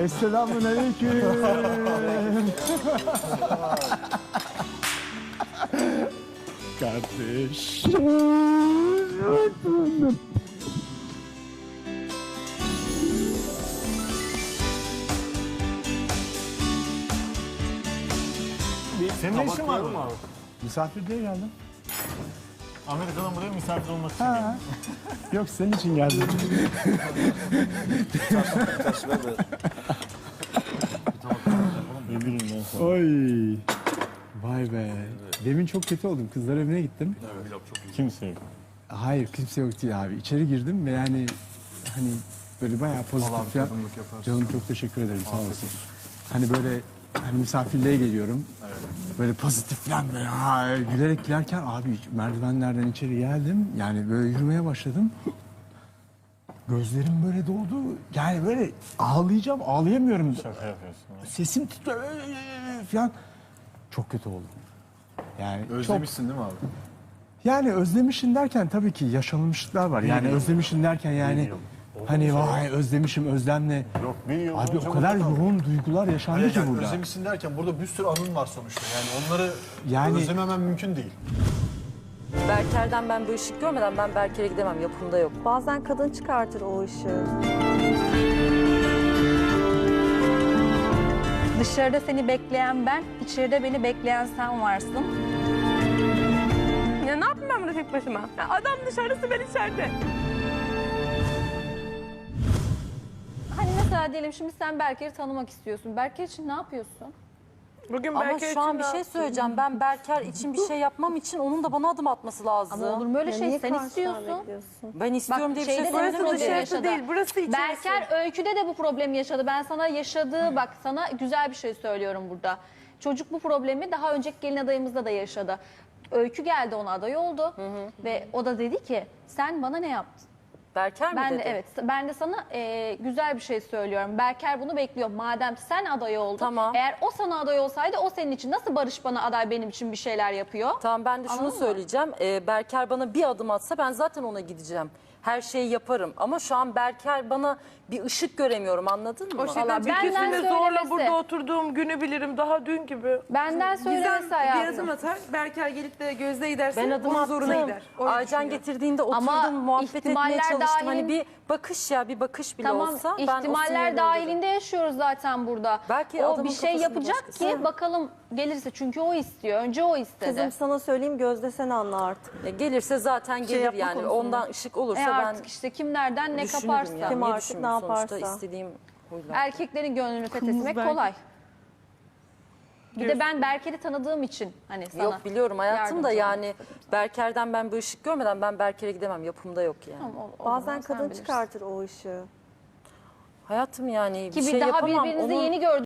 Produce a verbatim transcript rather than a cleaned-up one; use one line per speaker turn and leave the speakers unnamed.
Esselamun aleyküm. Kardeş.
Senin ne işin var mı abi?
Misafir diye geldim.
Amerika'dan buraya misafir olmak için
Ha. Yok senin için geldim.
geldim.
Oy. Vay be. Demin çok kötü oldum. Kızlar evine gittim.
Kimse yok.
Hayır kimse yok değil abi. İçeri girdim ve yani hani böyle bayağı pozitif falan. Canım çok teşekkür ederim sağ olasın. Hani böyle hani misafirliğe geliyorum. Böyle pozitif falan böyle ha, gülerek girerken abi merdivenlerden içeri geldim. Yani böyle yürümeye başladım. Gözlerim böyle doldu. Yani böyle ağlayacağım, ağlayamıyorum.
Şaka yapıyorsun.
Sesim titriyor falan. Çok kötü oldum. Yani
Özlemişsin değil mi abi?
çok, yani özlemişin derken tabii ki yaşanmışlıklar var. Yani özlemişin derken yani hani vay özlemişim özlemle.
Yok bir yıl
Abi
önce
o kadar
burada kaldım.
yoğun duygular yaşandı
Hayır,
ki
yani
burada.
özlemişsin derken burada bir sürü anın var sonuçta. Yani onları
Yani-
özlememen mümkün değil.
Berker'den ben bu ışık görmeden ben Berker'e gidemem. Yapımda yok.
Bazen kadın çıkartır o ışığı.
Dışarıda seni bekleyen ben, içeride beni bekleyen sen varsın.
Ya ne yapayım ben burada tek başıma? Ya adam dışarısı, ben içeride.
Hani mesela diyelim şimdi sen Berker'i tanımak istiyorsun. Berker için ne yapıyorsun?
Bugün
Ama
Berker
şu an
için
bir
ne
şey
yaptın?
söyleyeceğim. Ben Berker için bir şey yapmam için onun da bana adım atması lazım.
Ama olur mu öyle
Ya
şey?
niye
Sen
karşıdan
istiyorsun.
bekliyorsun?
Ben istiyorum
Bak,
diye bir şey
şeyde de
söyledim.
problem
Burası dışarısı
yaşadı.
değil, burası içerisi.
Berker öyküde de bu problemi yaşadı. Ben sana yaşadığı, bak sana güzel bir şey söylüyorum burada. Çocuk bu problemi daha önceki gelin adayımızda da yaşadı. Öykü geldi ona aday oldu ve o da dedi ki sen bana ne yaptın?
Berker mi
Ben
dedi?
de evet ben de sana e, güzel bir şey söylüyorum. Berker bunu bekliyor. Madem sen aday oldun.
Tamam.
Eğer o sana aday olsaydı o senin için nasıl Barış bana aday benim için bir şeyler yapıyor?
Tamam ben de şunu
Anladın mı?
söyleyeceğim. Ee, Berker bana bir adım atsa ben zaten ona gideceğim. Her şeyi yaparım. Ama şu an Berker bana bir ışık göremiyorum, anladın mı?
O şeyden
Vallahi
bir
benden
kesimde zorla
söylemesi.
burada oturduğum günü bilirim, daha dün gibi.
Benden söylemesi
Gizem bir
hayatım.
adım atar, Berker gelip de Gözde giderse
Ben adım
onun
attım.
zoruna gider. Öyle
Aycan
düşünüyor.
getirdiğinde oturdum,
Ama
muhabbet etmeye
ihtimaller
çalıştım. Hani
dahilin-
bir bakış ya, bir bakış bile
Tamam
olsa ben o
ihtimaller
sinirleri
dahilinde yaşıyoruz zaten burada.
Belki
o
adamın
bir şey
kafasında
yapacak
başkası
ki
var.
bakalım gelirse. Çünkü o istiyor. Önce o istedi.
Kızım sana söyleyeyim Gözde sen anla artık.
E, gelirse zaten gelir
yapma
yani.
konusunda.
Ondan ışık olursa
E
ben
artık işte kim nereden ne
düşünürüm
kaparsa.
yani.
Kim
Niye
artık
düşünmeyeyim?
ne
Sonuçta
yaparsa.
istediğim huylar.
Erkeklerin gönlünü fethetmek
belki.
kolay. Bir de ben Berker'i tanıdığım için hani sana
Yok biliyorum hayatım da
yardımcı
yani
olmak istedim.
Berker'den ben bu ışık görmeden ben Berker'e gidemem. Yapımda yok yani.
Tamam, o- o
Bazen
zaman sen
kadın
bilirsin.
çıkartır o ışığı.
Hayatım yani
Ki
bir
bir
şey
daha
yapamam.
birbirinizi
Onun-
yeni gördünüz.